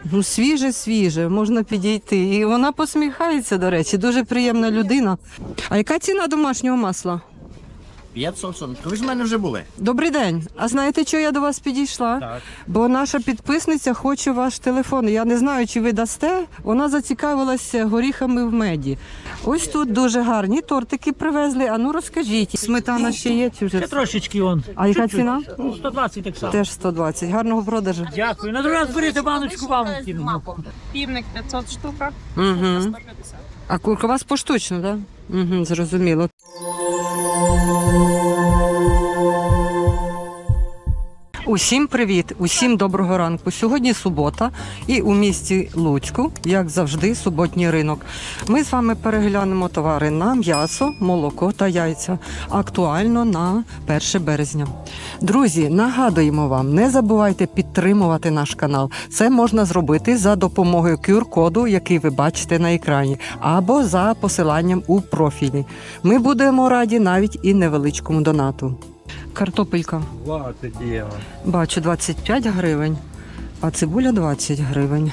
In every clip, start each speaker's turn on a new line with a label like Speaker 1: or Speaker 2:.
Speaker 1: Ну, свіже, можна підійти. І вона посміхається, до речі, дуже приємна людина. А яка ціна домашнього масла?
Speaker 2: 500. Ви ж в мене вже були.
Speaker 1: Добрий день. А знаєте, чого я до вас підійшла?
Speaker 2: Так.
Speaker 1: Бо наша підписниця хоче ваш телефон. Я не знаю, чи ви дасте. Вона зацікавилася горіхами в меді. Ось тут дуже гарні тортики привезли. А ну розкажіть, сметана ще є чи вже?
Speaker 3: Ще трошечки он.
Speaker 1: А яка ціна?
Speaker 3: 120 так само.
Speaker 1: Теж 120. Гарного продажу.
Speaker 3: Дякую. На другий раз берете баночку вам кину.
Speaker 4: Півник 500 штука,
Speaker 1: Угу.
Speaker 4: 150.
Speaker 1: А курка у вас поштучно, так? Угу, зрозуміло. Усім привіт, усім доброго ранку. Сьогодні субота і у місті Луцьку, як завжди, суботній ринок. Ми з вами переглянемо товари на м'ясо, молоко та яйця. Актуально на 1 березня. Друзі, нагадуємо вам, не забувайте підтримувати наш канал. Це можна зробити за допомогою QR-коду, який ви бачите на екрані, або за посиланням у профілі. Ми будемо раді навіть і невеличкому донату. Картопелька.
Speaker 3: 20 євро.
Speaker 1: Бачу, 25 гривень, а цибуля 20 гривень.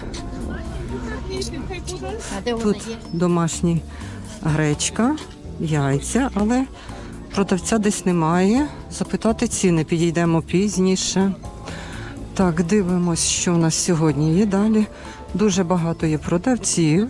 Speaker 1: Тут домашні гречка, яйця, але продавця десь немає. Запитати ціни, підійдемо пізніше. Так, дивимось, що у нас сьогодні є далі. Дуже багато є продавців.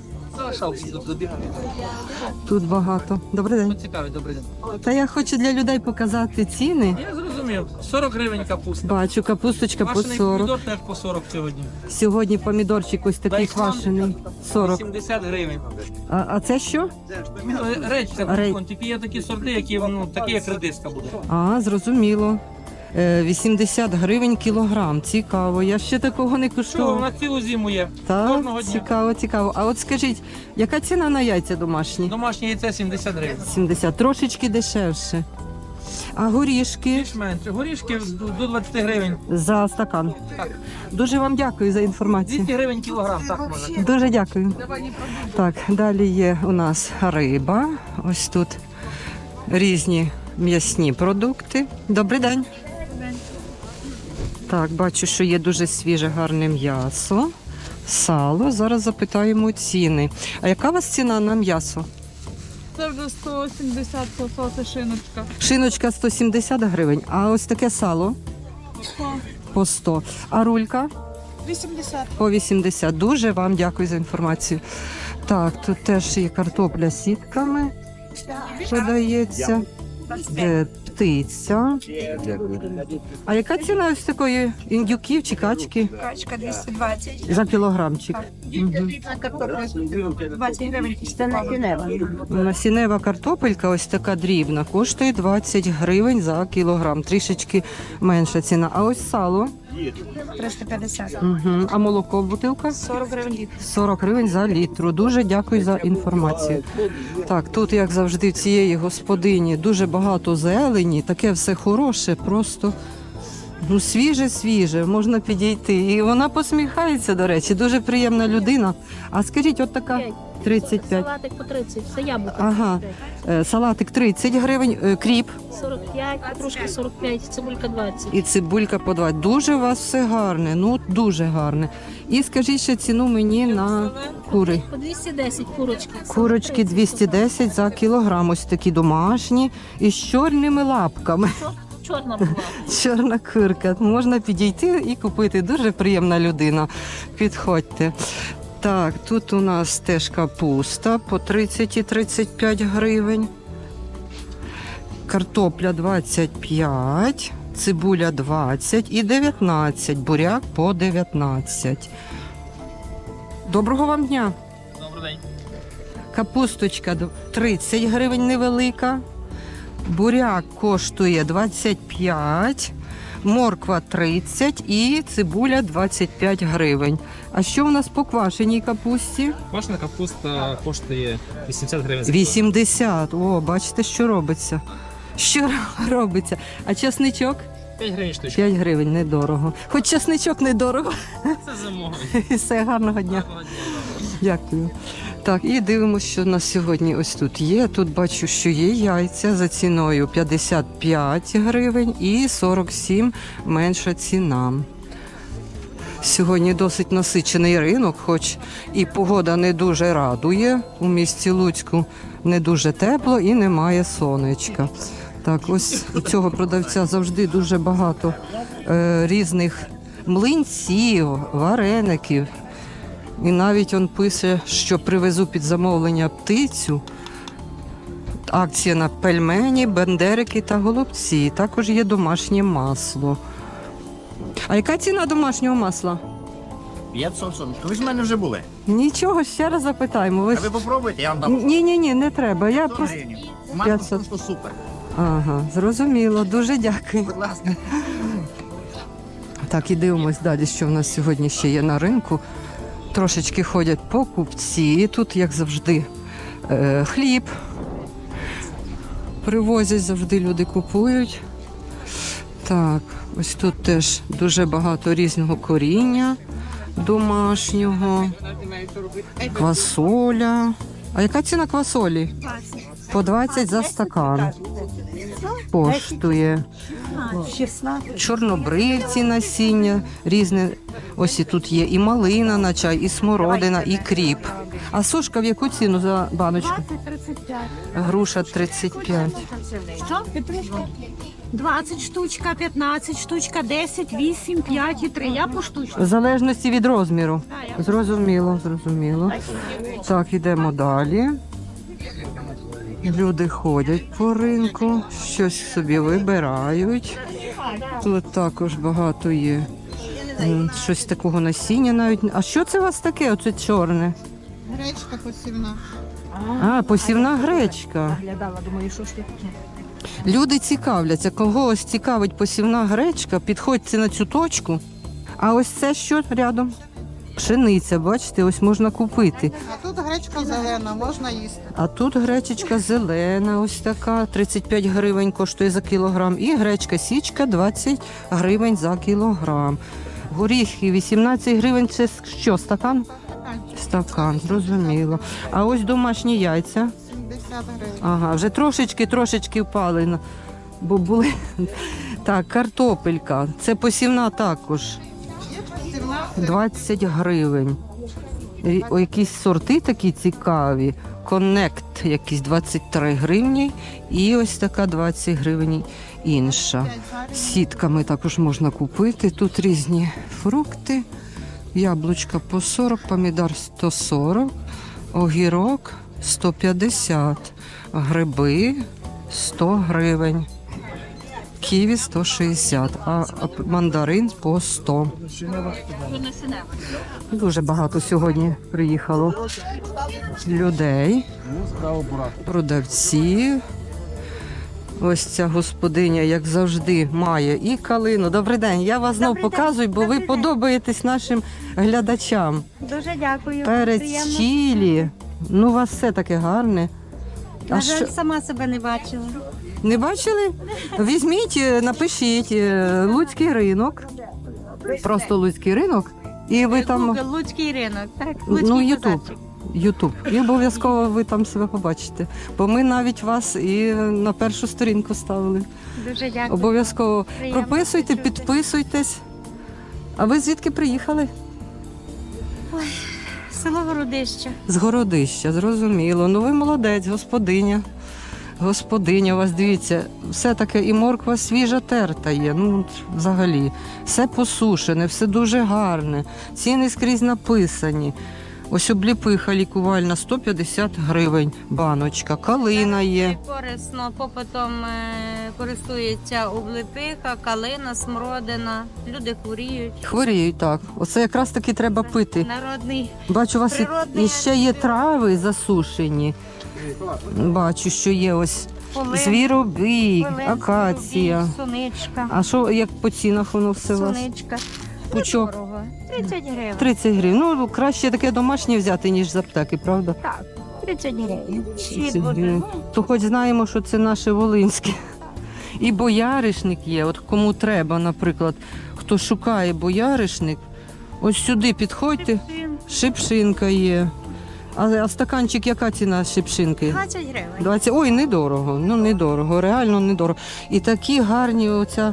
Speaker 1: Тут багато. Добрий день.
Speaker 3: Цікавий, добрий день.
Speaker 1: Та я хочу для людей показати ціни.
Speaker 3: Я зрозумів. 40 гривень капуста.
Speaker 1: Бачу, капусточка по
Speaker 3: Квашений
Speaker 1: 40.
Speaker 3: помідор теж по 40 сьогодні.
Speaker 1: Сьогодні помідорчик ось такий
Speaker 3: Дайсан
Speaker 1: квашений. 40.
Speaker 3: 70 гривень.
Speaker 1: А це що?
Speaker 3: Речка,
Speaker 1: Ре-
Speaker 3: тільки є такі сорти, які, такі як редиска буде.
Speaker 1: А, зрозуміло. 80 гривень кілограм. Цікаво. Я ще такого не
Speaker 3: Що,
Speaker 1: куштувала.
Speaker 3: на цілу зиму є.
Speaker 1: Так,
Speaker 3: Кожного дня.
Speaker 1: цікаво. А от скажіть, яка ціна на яйця домашні?
Speaker 3: Домашнє яйце 70 гривень.
Speaker 1: 70. Трошечки дешевше. А горішки
Speaker 3: Більш менше. Горішки до 20 гривень.
Speaker 1: за стакан.
Speaker 3: Так.
Speaker 1: Дуже вам дякую за інформацію.
Speaker 3: 200 гривень кілограм, так може.
Speaker 1: Дуже дякую. Так, далі є у нас риба. Ось тут різні м'ясні продукти. Добрий день. Так, бачу, що є дуже свіже, гарне м'ясо, сало. Зараз запитаємо ціни. А яка у вас ціна на м'ясо?
Speaker 4: Це вже 170 пососи шиночка.
Speaker 1: Шиночка 170 гривень, а ось таке сало по 100. А рулька
Speaker 4: 80.
Speaker 1: по 80. Дуже вам дякую за інформацію. Так, тут теж є картопля з сітками, подається. Птиця. А яка ціна ось такої індюків чи качки?
Speaker 4: Качка 220.
Speaker 1: За кілограмчик.
Speaker 4: А картопля 20 гривень. Це
Speaker 1: Насінева картопелька, ось така дрібна, коштує 20 гривень за кілограм. Трішечки менша ціна. А ось сало.
Speaker 4: 350.
Speaker 1: Угу. А молоко бутилка?
Speaker 4: 40 гривень літр.
Speaker 1: 40 гривень за літру. Дуже дякую за інформацію. Так, тут, як завжди, в цієї господині дуже багато зелені, таке все хороше, просто ну, свіже, можна підійти. І вона посміхається, до речі, дуже приємна людина. А скажіть, от така 35.
Speaker 5: Салатик по 30, це яблуко.
Speaker 1: Ага, салатик 30 гривень, кріп
Speaker 5: 45, петрушка 45, цибулька 20.
Speaker 1: і цибулька по 20. Дуже у вас все гарне, ну дуже гарне. І скажіть ще ціну мені на кури.
Speaker 5: По 210 курочки.
Speaker 1: Курочки 210 за кілограм, ось такі домашні і з чорними лапками.
Speaker 5: Чорна була.
Speaker 1: Чорна курка. Можна підійти і купити. Дуже приємна людина. Підходьте. Так, тут у нас теж капуста по 30 і 35 гривень. Картопля 25, цибуля 20 і 19, буряк по 19. Доброго вам дня.
Speaker 3: Добрий день.
Speaker 1: Капусточка 30 гривень невелика. Буряк коштує 25, морква 30 і цибуля 25 гривень. А що у нас по квашеній капусті?
Speaker 6: Квашена капуста коштує 80 гривень. за кілограм.
Speaker 1: 80. О, бачите, що робиться. Що робиться? А чесничок?
Speaker 6: 5 гривень штучка.
Speaker 1: 5 гривень, недорого. Хоч чесничок недорого.
Speaker 6: Це зимовий.
Speaker 1: Все, гарного дня. Дякую. Так, і дивимося, що у нас сьогодні ось тут є. Тут бачу, що є яйця за ціною 55 гривень і 47 менша ціна. Сьогодні досить насичений ринок, хоч і погода не дуже радує. У місті Луцьку не дуже тепло і немає сонечка. Так, ось у цього продавця завжди дуже багато різних млинців, вареників. І навіть він пише, що привезу під замовлення птицю. Акція на пельмені, бендерики та голубці. Також є домашнє масло. А яка ціна домашнього масла?
Speaker 2: 540. Ви ж в мене вже були.
Speaker 1: Нічого, ще раз запитаємо. Ви
Speaker 2: А ви попробуйте, я вам дам.
Speaker 1: Ні, не треба. Я
Speaker 2: 100
Speaker 1: просто...
Speaker 2: гривень. Масло
Speaker 1: 500.
Speaker 2: просто супер.
Speaker 1: Ага, зрозуміло. Дуже дякую.
Speaker 2: Будь ласка.
Speaker 1: Так, і дивимось далі, що в нас сьогодні ще є на ринку. Трошечки ходять покупці. І тут, як завжди, хліб. Привозять, завжди люди купують. Так, ось тут теж дуже багато різного коріння домашнього. Квасоля. А яка ціна квасолі? По 20 за стакан. Коштує. Чорнобривці насіння різне. Ось і тут є і малина на чай, і смородина, і кріп. А сушка в яку ціну за баночку?
Speaker 4: 35.
Speaker 1: Груша 35.
Speaker 4: Що? 20 штучка, 15 штучка, 10, 8, 5 і 3. Я по штучку.
Speaker 1: В залежності від розміру. Зрозуміло. Так, ідемо далі. Люди ходять по ринку, щось собі вибирають. Тут також багато є. Щось такого насіння навіть. А що це у вас таке? Оце чорне?
Speaker 7: Гречка посівна.
Speaker 1: А, посівна гречка. Люди цікавляться, когось цікавить посівна гречка, підходьте на цю точку. А ось це що рядом? Пшениця, бачите, ось можна купити.
Speaker 7: А тут гречка зелена, можна їсти.
Speaker 1: А тут гречечка зелена, ось така, 35 гривень коштує за кілограм. І гречка січка 20 гривень за кілограм. Горіхи 18 гривень, це що, стакан? Стакан, зрозуміло. А ось домашні яйця.
Speaker 7: 70 гривень.
Speaker 1: Ага, вже трошечки впали, бо були. Так, картопелька, це посівна також.
Speaker 7: Є посівна.
Speaker 1: 20 гривень. Якісь сорти такі цікаві. Коннект якісь 23 гривні. І ось така 20 гривень інша. Сітками також можна купити. Тут різні фрукти. Яблучка по 40, помідор 140, огірок 150, гриби 100 гривень. Ківі 160, а мандарин по 100. Дуже багато сьогодні приїхало людей, продавці. Ось ця господиня, як завжди, має і калину. Добрий день, я вас знов показую, бо ви подобаєтесь нашим глядачам.
Speaker 4: Дуже дякую.
Speaker 1: Перець
Speaker 4: Приємно.
Speaker 1: чилі. Ну, у вас все таке гарне.
Speaker 4: На жаль, сама себе не бачила.
Speaker 1: Не бачили? Візьміть, напишіть Луцький ринок. Просто Луцький ринок. І ви там.
Speaker 4: Google, Луцький ринок, так?
Speaker 1: Ну,
Speaker 4: Луцький
Speaker 1: Ютуб.
Speaker 4: базарчик.
Speaker 1: Ютуб. І обов'язково ви там себе побачите. Бо ми навіть вас і на першу сторінку ставили.
Speaker 4: Дуже дякую.
Speaker 1: Обов'язково
Speaker 4: Приємно
Speaker 1: прописуйте,
Speaker 4: почути.
Speaker 1: підписуйтесь. А ви звідки приїхали?
Speaker 4: Село Городище.
Speaker 1: З Городища, зрозуміло. Ну ви молодець, господиня. Господиня, у вас дивіться, все таке і морква свіжа терта є. Ну, от взагалі, все посушене, все дуже гарне. Ціни скрізь написані. Ось обліпиха лікувальна 150 гривень баночка. Калина є.
Speaker 8: Корисно, попитом користується облепиха, калина, смородина. Люди хворіють.
Speaker 1: Хворіють, так. Оце якраз таки треба пити.
Speaker 8: Народний
Speaker 1: Бачу, у вас
Speaker 8: Природний
Speaker 1: і ще є трави засушені. Бачу, що є ось звіробій, акація.
Speaker 8: соничка.
Speaker 1: А що, як по цінах воно все у вас?
Speaker 8: Соничка.
Speaker 1: Пучок
Speaker 8: Дорого. 30 гривень.
Speaker 1: 30 гривень. Ну, краще таке домашнє взяти, ніж з аптеки, правда?
Speaker 8: 30 гривень.
Speaker 1: 30 гривень. То хоч знаємо, що це наше волинське. І бояришник є. От кому треба, наприклад, хто шукає бояришник, ось сюди підходьте, шипшинка є. А стаканчик, яка ціна шипшинки?
Speaker 8: 20 гривень.
Speaker 1: 20. Ой, недорого. Ну, недорого, реально недорого. І такі гарні оця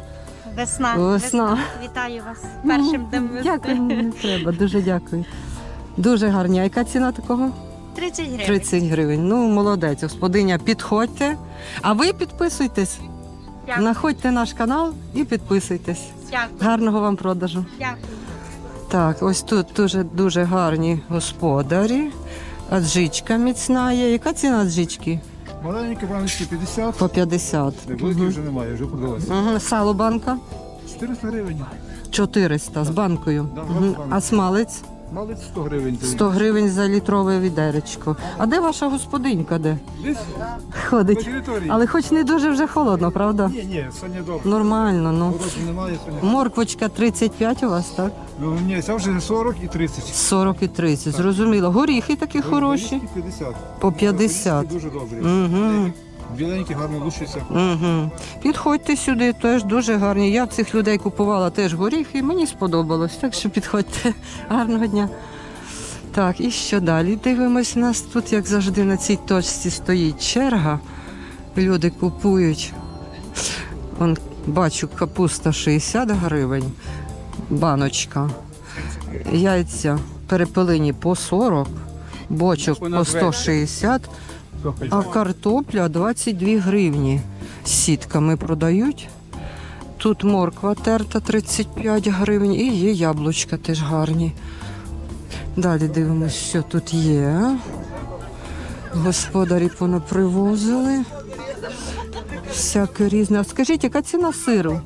Speaker 8: Весна.
Speaker 1: Весна.
Speaker 8: Вітаю вас з першим днем весни.
Speaker 1: Дякую, не треба, дуже дякую. Дуже гарні. А яка ціна такого?
Speaker 8: 30 гривень.
Speaker 1: 30 гривень. Ну, молодець, господиня, підходьте. А ви підписуйтесь.
Speaker 8: Дякую.
Speaker 1: Находьте наш канал і підписуйтесь.
Speaker 8: Дякую.
Speaker 1: Гарного вам продажу.
Speaker 8: Дякую.
Speaker 1: Так, ось тут дуже гарні господарі. Аджичка міцна є. Яка ціна аджички?
Speaker 9: Маленькі баночки 50,
Speaker 1: По 50.
Speaker 9: великі вже немає, вже продалося.
Speaker 1: Угу. Сало банка
Speaker 9: 400 гривень.
Speaker 1: 400 з банкою.
Speaker 9: Да,
Speaker 1: Угу.
Speaker 9: з банкою.
Speaker 1: А смалець?
Speaker 9: Малець 100 гривень.
Speaker 1: 100 гривень за літрове відеречко. А де ваша господинька? Де?
Speaker 9: Десь на
Speaker 1: Ходить.
Speaker 9: території.
Speaker 1: Але хоч не дуже вже холодно, правда?
Speaker 9: Ні, сьогодні добре.
Speaker 1: Нормально, ну.
Speaker 9: Морозу немає сьогодні.
Speaker 1: Морквочка 35 у вас, так?
Speaker 9: Ну, ні, це вже 40 і 30.
Speaker 1: 40 і 30, зрозуміло. Горіхи такі хороші.
Speaker 9: Горішки 50.
Speaker 1: По 50.
Speaker 9: Горішки дуже добрі.
Speaker 1: Угу.
Speaker 9: Біленькі, гарно лущаться.
Speaker 1: Угу. Підходьте сюди, теж дуже гарні. Я в цих людей купувала теж горіхи, мені сподобалось, так що підходьте. Гарного дня. Так, і що далі? Дивимось, у нас тут, як завжди, на цій точці стоїть черга. Люди купують. Вон, бачу, капуста 60 гривень, баночка. Яйця перепелині по 40, бочок по 160, а картопля 22 гривні. З сітками продають. Тут морква терта 35 гривень і є яблучка теж гарні. Далі дивимося, що тут є. Господарі понапривозили. Всяке різне. А скажіть, яка ціна сиру?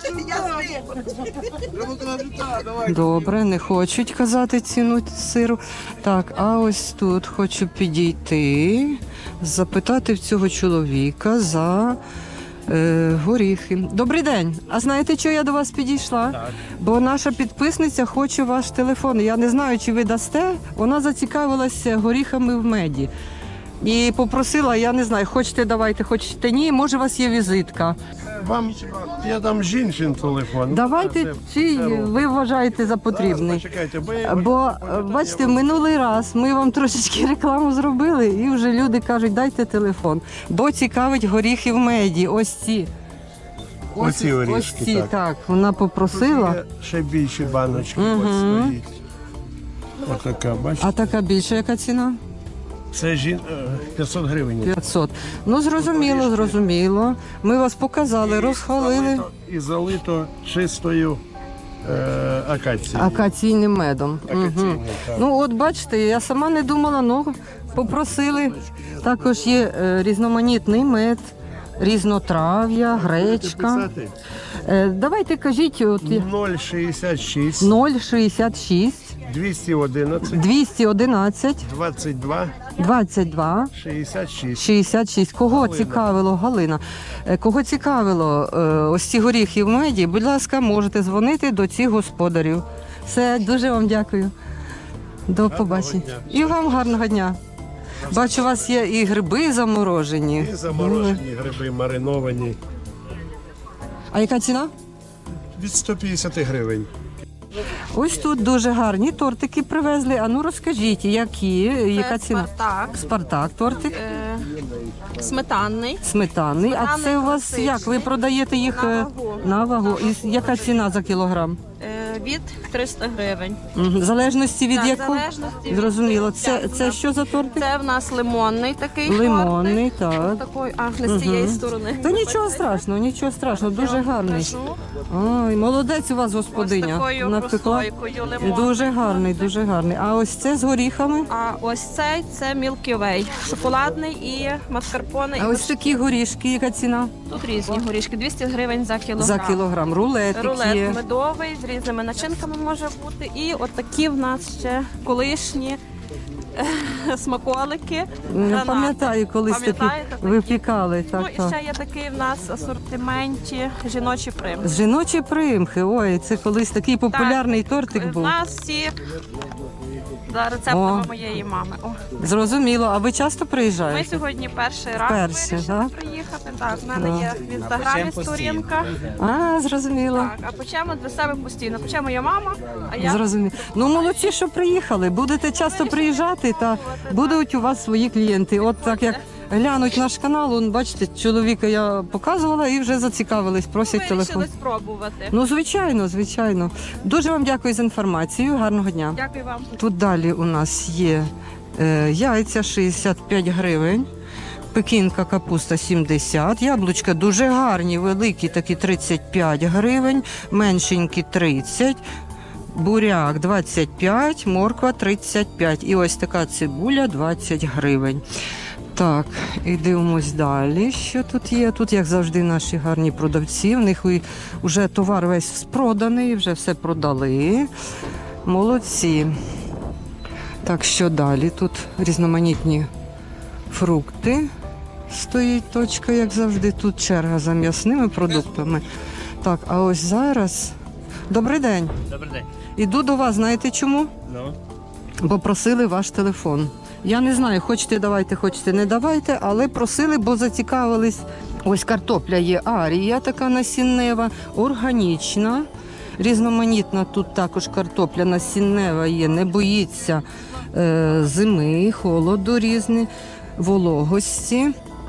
Speaker 1: Добре, не хочуть казати ціну сиру. Так, а ось тут хочу підійти, запитати в цього чоловіка за горіхи. Добрий день. А знаєте, чого я до вас підійшла?
Speaker 3: Так.
Speaker 1: Бо наша підписниця хоче ваш телефон. Я не знаю, чи ви дасте. Вона зацікавилася горіхами в меді. І попросила, я не знаю, хочете давайте, хочете ні, може у вас є візитка.
Speaker 10: Вам я дам жінчин телефон.
Speaker 1: Давайте, чи ви вважаєте за потрібний?
Speaker 10: Чекайте,
Speaker 1: Бо, бачите, минулий раз ми вам трошечки рекламу зробили, і вже люди кажуть, дайте телефон. Бо цікавить горіхи в меді, ось ці.
Speaker 10: Оці
Speaker 1: Ось
Speaker 10: орішки,
Speaker 1: ці,
Speaker 10: так.
Speaker 1: так. Вона попросила.
Speaker 10: Є ще більші баночки,
Speaker 1: Мгм.
Speaker 10: от стоїть. Отака, бачите?
Speaker 1: А така більша яка ціна?
Speaker 10: Це 500 гривень.
Speaker 1: 500. Ну, зрозуміло, зрозуміло. Ми вас показали, розхвалили
Speaker 10: І залито чистою акацією.
Speaker 1: акаційним медом. Мгм.
Speaker 10: Акаційною, так.
Speaker 1: Ну, от бачите, я сама не думала, ну, попросили. Також є різноманітний мед, різнотрав'я, гречка.
Speaker 10: Писати?
Speaker 1: Давайте кажіть, от
Speaker 10: 066
Speaker 1: 066
Speaker 10: 211
Speaker 1: 211
Speaker 10: 22
Speaker 1: 22
Speaker 10: 66.
Speaker 1: 66. Кого цікавило, Галина? Кого цікавило ось ці горіхи в меді, будь ласка, можете дзвонити до цих господарів. Все, дуже вам дякую. До побачення. І вам гарного дня. Бачу, у вас є і гриби заморожені.
Speaker 10: І заморожені гриби мариновані.
Speaker 1: А яка ціна?
Speaker 10: Від 150 гривень.
Speaker 1: Ось тут дуже гарні тортики привезли. А ну розкажіть, які, яка ціна?
Speaker 11: Спартак,
Speaker 1: Спартак тортик,
Speaker 11: сметанний.
Speaker 1: сметанний. А
Speaker 11: Сметанний
Speaker 1: це у вас
Speaker 11: класичний.
Speaker 1: як? Ви продаєте їх
Speaker 11: На вагу.
Speaker 1: на вагу? І яка ціна за кілограм?
Speaker 11: Від 300 гривень.
Speaker 1: Мгм. В залежності від
Speaker 11: Так,
Speaker 1: якого?
Speaker 11: залежності від
Speaker 1: Зрозуміло.
Speaker 11: м'яса.
Speaker 1: Це що за тортик?
Speaker 11: Це в нас лимонний такий
Speaker 1: Лимонний,
Speaker 11: тортик.
Speaker 1: так.
Speaker 11: Такий, не з цієї сторони.
Speaker 1: Та нічого страшного, дуже гарний.
Speaker 11: Кажу.
Speaker 1: Ой, молодець у вас
Speaker 11: Ось
Speaker 1: господиня.
Speaker 11: такою
Speaker 1: Напекла.
Speaker 11: прослойкою лимонний.
Speaker 1: Дуже гарний, дуже гарний. А ось це з горіхами?
Speaker 11: А ось цей це Milky Way. Шоколадний і маскарпоне.
Speaker 1: А ось такі горішки, яка ціна?
Speaker 11: Тут різні горішки. 200 гривень за кілограм.
Speaker 1: За кілограм. Рулетик
Speaker 11: Рулет
Speaker 1: є.
Speaker 11: медовий з різними начинками може бути. І от такі в нас ще колишні смаколики. гранати.
Speaker 1: Пам'ятаю, колись такі
Speaker 11: Пам'ятаєте такі?
Speaker 1: випікали.
Speaker 11: Ну
Speaker 1: Так,
Speaker 11: і
Speaker 1: так.
Speaker 11: ще є такий в нас в асортименті жіночі примки.
Speaker 1: З жіночі примхи. Ой, це колись такий популярний тортик
Speaker 11: В
Speaker 1: був.
Speaker 11: нас всі за рецептами
Speaker 1: О.
Speaker 11: моєї мами. О.
Speaker 1: Зрозуміло. А ви часто
Speaker 11: Ми
Speaker 1: приїжджаєте?
Speaker 11: сьогодні перший раз
Speaker 1: Вперше,
Speaker 11: вирішили
Speaker 1: так?
Speaker 11: приїхати. Так, в мене
Speaker 1: Да.
Speaker 11: є в інстаграмі сторінка.
Speaker 1: А, зрозуміло.
Speaker 11: Так, а печемо для себе постійно. Пече моя мама, а я
Speaker 1: Зрозуміло. Ну, молодці, що приїхали. Будете часто приїжджати, та будуть у вас свої клієнти. От так як глянуть наш канал. Он, бачите, чоловіка я показувала і вже зацікавились, просять телефон.
Speaker 11: Вирішили спробувати.
Speaker 1: Ну, звичайно, звичайно. Дуже вам дякую за інформацію. Гарного дня.
Speaker 11: Дякую вам.
Speaker 1: Тут далі у нас є яйця 65 гривень. Пекінка капуста 70, яблучка дуже гарні, великі, такі 35 гривень, меншенькі 30, буряк 25, морква 35 і ось така цибуля 20 гривень. Так, і дивимось далі, що тут є. Тут, як завжди, наші гарні продавці, в них вже товар весь проданий, вже все продали. Молодці. Так, що далі? Тут різноманітні фрукти. Стоїть точка, як завжди. Тут черга за м'ясними продуктами. Так, а ось зараз... Добрий день.
Speaker 2: Добрий день.
Speaker 1: Іду до вас, знаєте чому?
Speaker 2: Ну?
Speaker 1: Бо просили ваш телефон. Я не знаю, хочете давайте, хочете не давайте, але просили, бо зацікавились. Ось картопля є арія, така насіннева, органічна, різноманітна. Тут також картопля насіннева є, не боїться зими, холоду різні, вологості.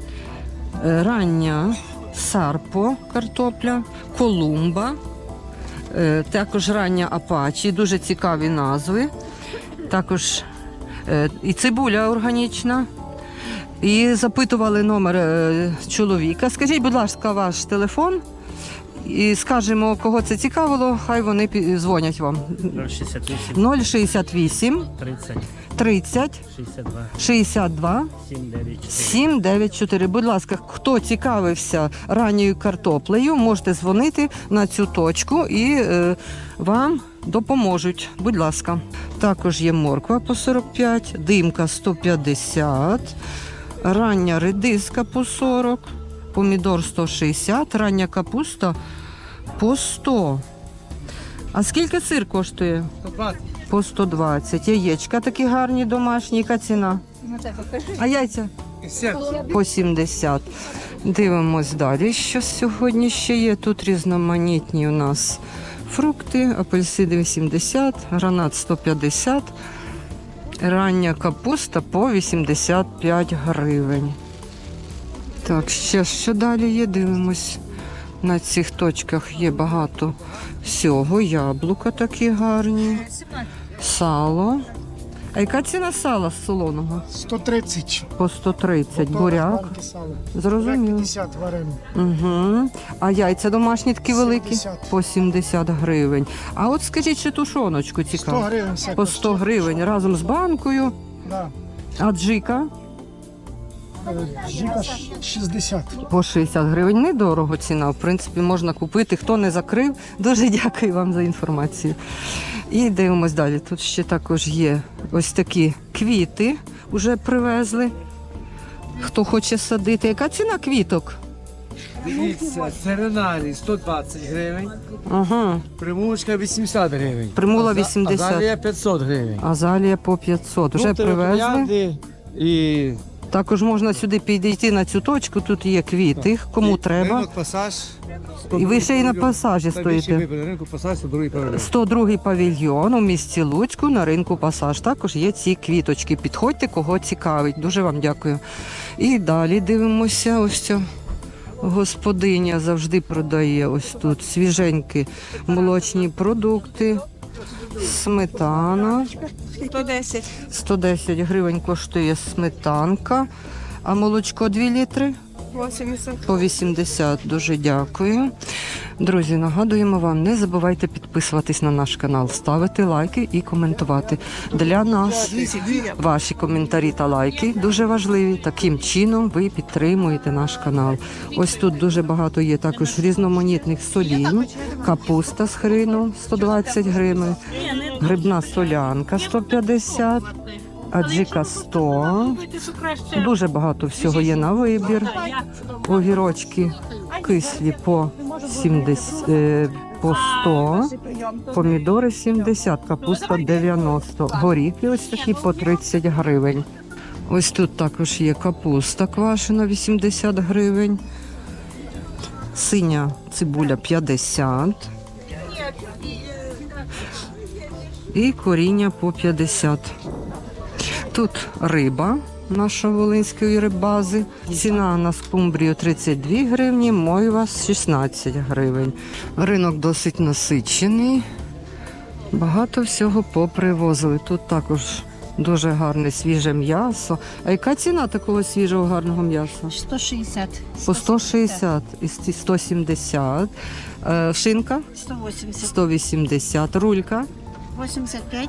Speaker 1: Рання сарпо картопля, колумба, також рання апачі, дуже цікаві назви. Також і цибуля органічна. І запитували номер чоловіка. Скажіть, будь ласка, ваш телефон. І скажемо, кого це цікавило, хай вони дзвонять вам.
Speaker 2: 068
Speaker 1: 068
Speaker 2: 30
Speaker 1: 30
Speaker 2: 62
Speaker 1: 62
Speaker 2: 794.
Speaker 1: 794. Будь ласка, хто цікавився ранньою картоплею, можете дзвонити на цю точку і вам допоможуть. Будь ласка. Також є морква по 45, димка 150, рання редиска по 40, помідор 160, рання капуста по 100. А скільки сир коштує?
Speaker 3: 120.
Speaker 1: По 120. Яєчка такі гарні домашні. Яка ціна? А яйця? По 70. Дивимось далі, що сьогодні ще є. Тут різноманітні у нас фрукти. Апельсини 80, гранат 150, рання капуста по 85 гривень. Так, ще що далі є? Дивимось. На цих точках є багато всього. Яблука такі гарні. Сало. А яка ціна сала солоного?
Speaker 9: 130.
Speaker 1: По 130. Буряк.
Speaker 9: Банки сала.
Speaker 1: Зрозуміло.
Speaker 9: 50 варено.
Speaker 1: Угу. А яйця домашні такі великі?
Speaker 9: 70.
Speaker 1: По 70 гривень. А от скажіть, ще тушоночку
Speaker 9: 100
Speaker 1: цікаво.
Speaker 9: гривень все.
Speaker 1: По 100 гривень разом з банкою.
Speaker 9: Да.
Speaker 1: А джика?
Speaker 9: Жіка 60.
Speaker 1: По 60 гривень. Недорого ціна. В принципі, можна купити. Хто не закрив, дуже дякую вам за інформацію. І дивимось далі. Тут ще також є ось такі квіти, вже привезли. Хто хоче садити. Яка ціна квіток?
Speaker 3: Дивіться, серенарій 120 гривень,
Speaker 1: Ага.
Speaker 3: примулочка 80 гривень.
Speaker 1: Примула 80.
Speaker 3: Азалія 500 гривень.
Speaker 1: Азалія по 500. Вже привезли.
Speaker 3: Троянди і
Speaker 1: Також можна сюди підійти на цю точку. Тут є квіти. Кому треба.
Speaker 3: Ринок Пасаж.
Speaker 1: І ви ще й на пасажі стоїте.
Speaker 3: Ринку Пасаж, 102-й павільйон.
Speaker 1: 102-й павільйон у місті Луцьку на ринку Пасаж. Також є ці квіточки. Підходьте, кого цікавить. Дуже вам дякую. І далі дивимося. Ось ця господиня завжди продає ось тут свіженькі молочні продукти. Сметана.
Speaker 11: 110.
Speaker 1: 110 гривень коштує сметанка. А молочко 2 літри?
Speaker 11: 80.
Speaker 1: По 80. Дуже дякую. Друзі, нагадуємо вам, не забувайте підписуватись на наш канал, ставити лайки і коментувати. Для нас ваші коментарі та лайки дуже важливі. Таким чином ви підтримуєте наш канал. Ось тут дуже багато є також різноманітних солін. Капуста з хрину 120 гривень, грибна солянка 150, аджика 100. Дуже багато всього є на вибір. Огірочки кислі по 70, по 100, помідори 70, капуста 90, горіхи ось такі по 30 гривень. Ось тут також є капуста квашена 80 гривень, синя цибуля 50 і коріння по 50. Тут риба нашої волинської рибази. Ціна на скумбрію 32 гривні, мойва 16 гривень. Ринок досить насичений. Багато всього попривозили. Тут також дуже гарне свіже м'ясо. А яка ціна такого свіжого гарного м'яса?
Speaker 4: 160.
Speaker 1: По 160 і 170. Шинка
Speaker 4: 180.
Speaker 1: 180. Рулька
Speaker 4: 85.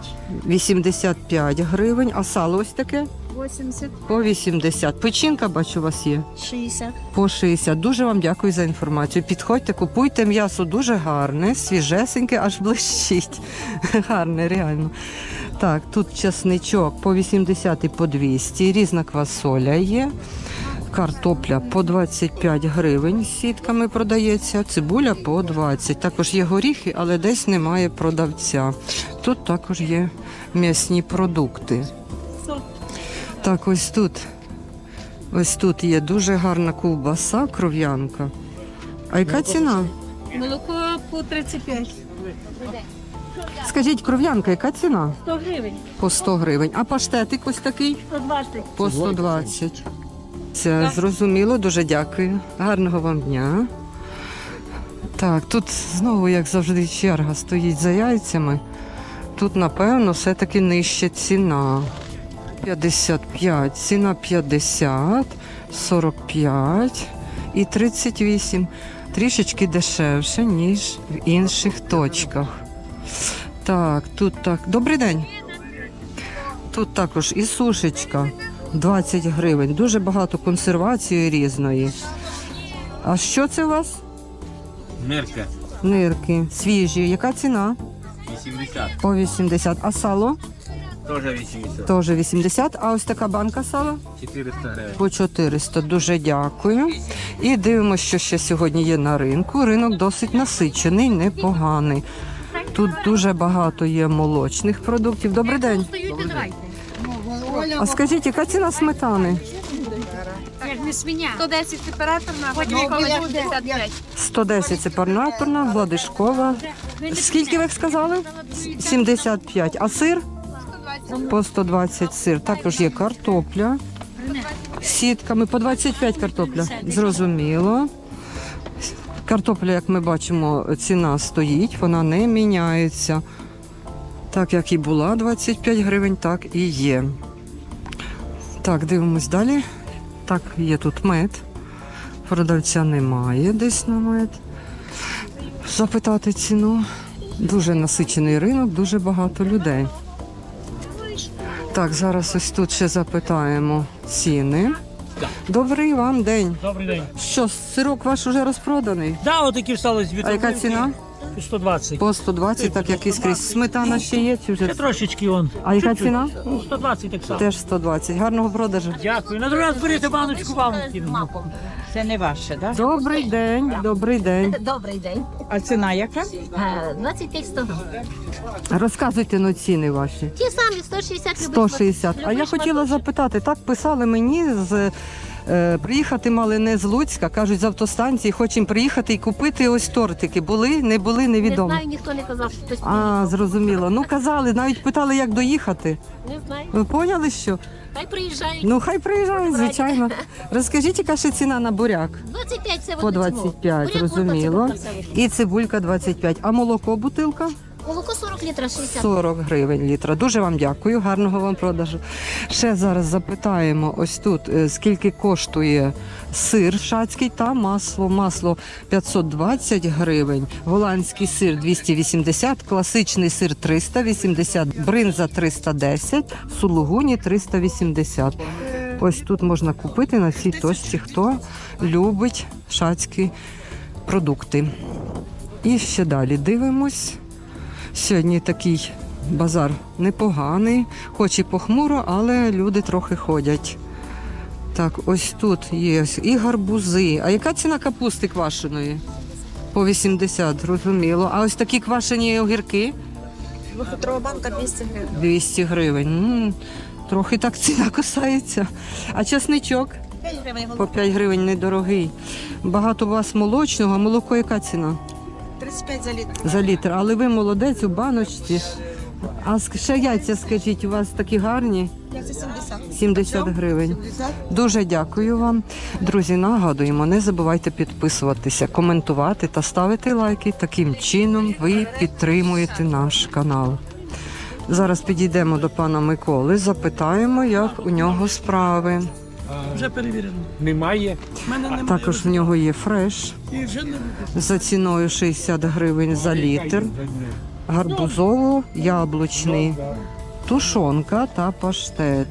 Speaker 1: 85 гривень. А сало ось таке?
Speaker 4: 80.
Speaker 1: По 80. Печінка, бачу, у вас є?
Speaker 4: 60.
Speaker 1: По 60. Дуже вам дякую за інформацію. Підходьте, купуйте м'ясо дуже гарне, свіжесеньке, аж блищить. Гарне, реально. Так, тут чесничок по 80 і по 200. Різна квасоля є. Картопля по 25 гривень з сітками продається, цибуля по 20. Також є горіхи, але десь немає продавця. Тут також є м'ясні продукти. Так, ось тут є дуже гарна ковбаса, кров'янка. А яка ціна?
Speaker 5: Молоко по 35.
Speaker 1: Скажіть, кров'янка, яка ціна?
Speaker 5: 100 гривень.
Speaker 1: По 100 гривень. А паштетик ось такий?
Speaker 5: 120.
Speaker 1: По 120. Це зрозуміло, дуже дякую. Гарного вам дня. Так, тут знову, як завжди, черга стоїть за яйцями. Тут, напевно, все-таки нижча ціна. 55, ціна 50, 45 і 38. Трішечки дешевше, ніж в інших точках. Так, тут так. Добрий день. Тут також і сушечка 20 гривень. Дуже багато консервації різної. А що це у вас?
Speaker 6: Нирка.
Speaker 1: Нирки. Свіжі. Яка ціна?
Speaker 6: 80.
Speaker 1: По 80. А сало?
Speaker 6: Теж 80.
Speaker 1: Теж 80. А ось така банка сала?
Speaker 6: 400 гривень.
Speaker 1: По 400. Дуже дякую. І дивимося, що ще сьогодні є на ринку. Ринок досить насичений, непоганий. Тут дуже багато є молочних продуктів. Добрий день. А скажіть, яка ціна сметани?
Speaker 4: Як не свиня.
Speaker 8: 110 температурна,
Speaker 4: Потім яка буде?
Speaker 8: 55.
Speaker 1: 110 це парнаторна, гладишкова. Скільки ви сказали? 75. А сир? По 120 сир. Також є картопля з сітками. По 25 картопля. Зрозуміло. Картопля, як ми бачимо, ціна стоїть, вона не міняється. Так, як і була 25 гривень, так і є. Так, дивимось далі. Так, є тут мед. Продавця немає десь на мед. Запитати ціну. Дуже насичений ринок, дуже багато людей. Так, зараз ось тут ще запитаємо ціни. Добрий вам день.
Speaker 2: Добрий день.
Speaker 1: Що, сирок ваш уже розпроданий?
Speaker 2: Да, отакі стали з
Speaker 1: А яка ціна?
Speaker 2: 120.
Speaker 1: По 120, так як і скрізь. Сметана ще є чи вже?
Speaker 2: Це трошечки он.
Speaker 1: А яка
Speaker 2: Чуть-чуть.
Speaker 1: ціна?
Speaker 2: Ну, 120 так само.
Speaker 1: Теж 120. Гарного продажу.
Speaker 2: Дякую. На другий раз берете баночку вам кину.
Speaker 12: Це не ваше, так?
Speaker 1: Добрий день, добрий день.
Speaker 5: Добрий день.
Speaker 12: А ціна яка?
Speaker 5: 25-100.
Speaker 1: Розказуйте на ціни ваші.
Speaker 5: Ті самі, 160
Speaker 1: 160. А я хотіла запитати, так писали мені приїхати мали не з Луцька, кажуть, з автостанції, хочемо приїхати і купити ось тортики. Були, не були, невідомо.
Speaker 5: Не знаю, ніхто не казав, що хтось
Speaker 1: А, зрозуміло. Ну казали, навіть питали, як доїхати.
Speaker 5: не знаю.
Speaker 1: Ви поняли, що?
Speaker 5: Хай приїжджають.
Speaker 1: Ну, хай приїжджають, звичайно. Розкажіть, яка ще ціна на буряк?
Speaker 5: 25 це
Speaker 1: По 25, зрозуміло. І цибулька 25. А молоко бутилка?
Speaker 5: Молоко 40 літрів, 60.
Speaker 1: 40 гривень літра. Дуже вам дякую, гарного вам продажу. Ще зараз запитаємо ось тут, скільки коштує сир шацький та масло. Масло 520 гривень, голландський сир 280, класичний сир 380, бринза 310, сулугуні 380. Ось тут можна купити на цій точці, хто любить шацькі продукти. І ще далі дивимось. Сьогодні такий базар непоганий, хоч і похмуро, але люди трохи ходять. Так, ось тут є і гарбузи. А яка ціна капусти квашеної? По 80, зрозуміло. А ось такі квашені огірки?
Speaker 11: Двохлітрова банка 200 гривень.
Speaker 1: 200 гривень. Трохи так ціна кусається. А чесничок?
Speaker 11: 5 гривень.
Speaker 1: По 5 гривень недорогий. Багато у вас молочного, а молоко яка ціна?
Speaker 11: 35 за літр.
Speaker 1: За літр. Але ви молодець у баночці. А ще яйця, скажіть, у вас такі гарні? 70 гривень. Дуже дякую вам. Друзі, нагадуємо, не забувайте підписуватися, коментувати та ставити лайки. Таким чином ви підтримуєте наш канал. Зараз підійдемо до пана Миколи, запитаємо, як у нього справи.
Speaker 2: Вже перевірено.
Speaker 3: Немає.
Speaker 2: У мене немає.
Speaker 1: Також в нього є фреш
Speaker 2: І вже не буде.
Speaker 1: за ціною 60 гривень за літр, гарбузово-яблучний, тушонка та паштет.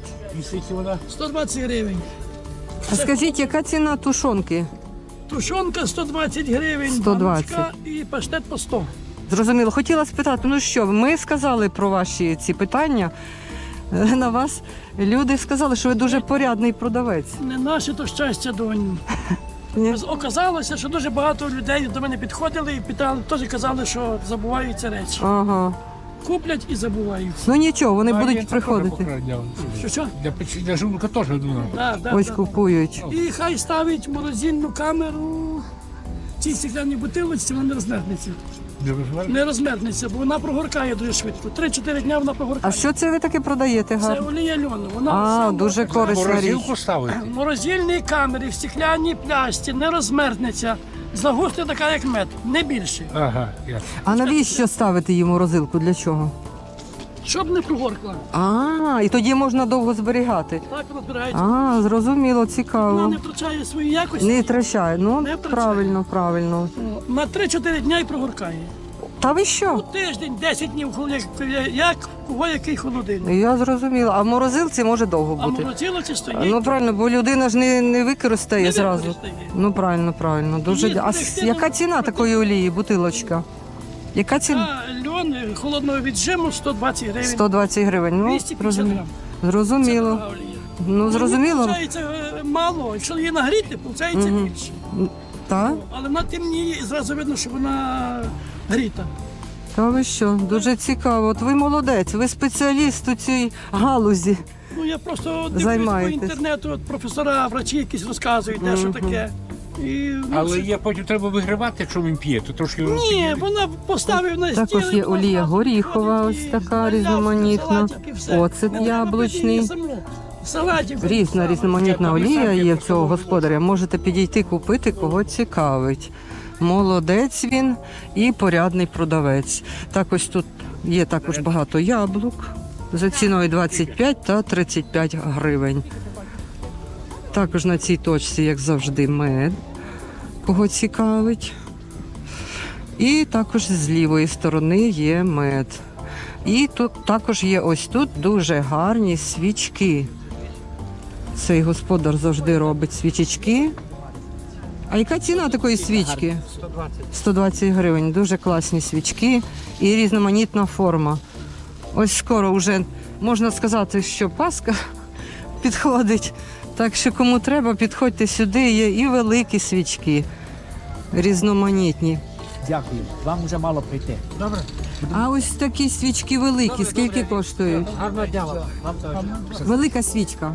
Speaker 2: 120 гривень.
Speaker 1: А скажіть, яка ціна тушонки?
Speaker 2: Тушонка 120 гривень,
Speaker 1: 120.
Speaker 2: баночка і паштет по 100.
Speaker 1: Зрозуміло. Хотіла спитати, ну що, ми сказали про ваші ці питання. На вас люди сказали, що ви дуже порядний продавець.
Speaker 2: Не наше то щастя, донь.
Speaker 1: Ні?
Speaker 2: Оказалося, що дуже багато людей до мене підходили і питали, теж казали, що забуваються речі.
Speaker 1: Ага.
Speaker 2: Куплять і забуваються.
Speaker 1: Ну нічого, вони будуть приходити.
Speaker 2: Що?
Speaker 3: Для жулка теж думав.
Speaker 1: Ось купують.
Speaker 2: І хай ставить морозильну камеру в цій стеклянній бутилочці, вона не розмерзнеться. Не розмерзнеться, бо вона прогоркає дуже швидко. 3-4 дня вона
Speaker 1: А
Speaker 2: прогоркає.
Speaker 1: що це ви таке продаєте
Speaker 2: Це
Speaker 1: гарно?
Speaker 2: олія льону. Вона
Speaker 1: А,
Speaker 2: сама-
Speaker 1: дуже корисна річ.
Speaker 3: ставити.
Speaker 2: В морозильній камері, в стеклянній пляшці, не розмерзнеться. Загусне така, як мед, не більше.
Speaker 3: Ага, ясно.
Speaker 1: А навіщо ставити її в морозилку? Для чого?
Speaker 2: Щоб не прогоркла.
Speaker 1: А, і тоді можна довго зберігати.
Speaker 2: Так розбирається.
Speaker 1: А, зрозуміло,
Speaker 2: Вона
Speaker 1: цікаво.
Speaker 2: не втрачає свої якості.
Speaker 1: Не втрачає. Ну,
Speaker 2: Не втрачає.
Speaker 1: правильно.
Speaker 2: На 3-4 дня і прогоркає.
Speaker 1: Та ви
Speaker 2: У
Speaker 1: що?
Speaker 2: тиждень, 10 днів, як кого який холодильник.
Speaker 1: Я зрозуміла. А в морозилці може довго
Speaker 2: А
Speaker 1: бути.
Speaker 2: морозилоці стоїть.
Speaker 1: Ну правильно, бо людина ж не використає
Speaker 2: Не
Speaker 1: зразу.
Speaker 2: використає.
Speaker 1: Ну правильно. Дуже
Speaker 2: Ні,
Speaker 1: дя- А
Speaker 2: це
Speaker 1: яка
Speaker 2: ну,
Speaker 1: ціна такої олії, бутилочка? Яка ціна?
Speaker 2: А льон холодного віджиму 120 гривень.
Speaker 1: 120 гривень. Ну,
Speaker 2: 250
Speaker 1: зрозуміло.
Speaker 2: грам. Це
Speaker 1: Зрозуміло.
Speaker 2: дорога олія.
Speaker 1: Ну, зрозуміло.
Speaker 2: Виходить мало. Якщо її нагріти, виходить
Speaker 1: Мгм.
Speaker 2: більше.
Speaker 1: Так?
Speaker 2: Але вона темніє і зразу видно, що вона гріта.
Speaker 1: Та ви що? Дуже цікаво. От ви молодець, ви спеціаліст у цій галузі.
Speaker 2: Ну я просто дивлюсь по
Speaker 1: Займаєтесь.
Speaker 2: інтернету, от професора, врачі якісь розказують, де що таке. І, ну,
Speaker 3: Але
Speaker 2: це-
Speaker 3: є потім треба вигривати, якщо він п'є, то трошки
Speaker 2: Ні, вона поставив на стіл.
Speaker 1: Також є олія горіхова, ось така різноманітна. Оцет яблучний. Різна різноманітна олія є в цього господаря. Можете підійти купити, кого цікавить. Молодець він і порядний продавець. Так ось тут є також багато яблук за ціною 25 та 35 гривень. Також на цій точці, як завжди, мед, кого цікавить. І також з лівої сторони є мед. І тут також є ось тут дуже гарні свічки. Цей господар завжди робить свічечки. А яка ціна такої свічки? 120 гривень. Дуже класні свічки і різноманітна форма. Ось скоро вже можна сказати, що Пасха підходить. Так що кому треба, підходьте сюди. Є і великі свічки, різноманітні.
Speaker 3: Дякую. Вам вже мало прийти. Добре.
Speaker 1: А ось такі свічки великі, скільки коштують?
Speaker 3: Гарного дня вам.
Speaker 1: Велика свічка.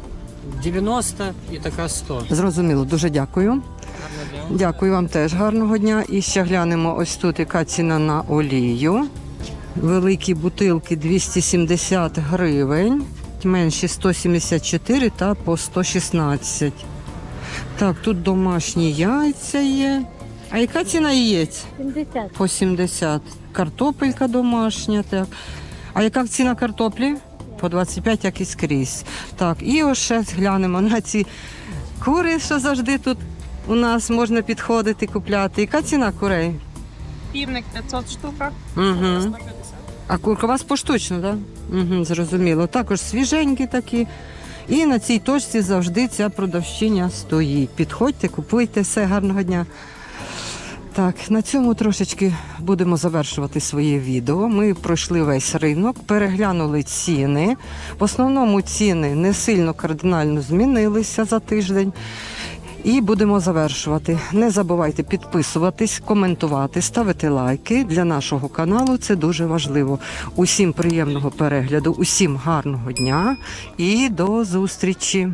Speaker 6: 90 і така 100.
Speaker 1: Зрозуміло, дуже дякую. Дякую вам теж гарного дня. І ще глянемо ось тут, яка ціна на олію. Великі бутилки 270 гривень, менші 174 та по 116. Так, тут домашні яйця є. А яка ціна яєць?
Speaker 5: 70.
Speaker 1: По 70. Картопелька домашня, так. А яка ціна картоплі? По 25, як і скрізь. Так, і ось ще глянемо на ці кури, що завжди тут у нас можна підходити, купляти. Яка ціна курей?
Speaker 8: Півник 500 штука.
Speaker 1: Угу. А курка у вас поштучно, так? Угу, зрозуміло. Також свіженькі такі. І на цій точці завжди ця продавщиня стоїть. Підходьте, купуйте, все, гарного дня. Так, на цьому трошечки будемо завершувати своє відео. Ми пройшли весь ринок, переглянули ціни. В основному ціни не сильно кардинально змінилися за тиждень. І будемо завершувати. Не забувайте підписуватись, коментувати, ставити лайки. Для нашого каналу це дуже важливо. Усім приємного перегляду, усім гарного дня і до зустрічі!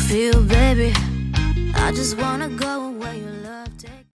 Speaker 13: feel, baby. I just wanna go where you love.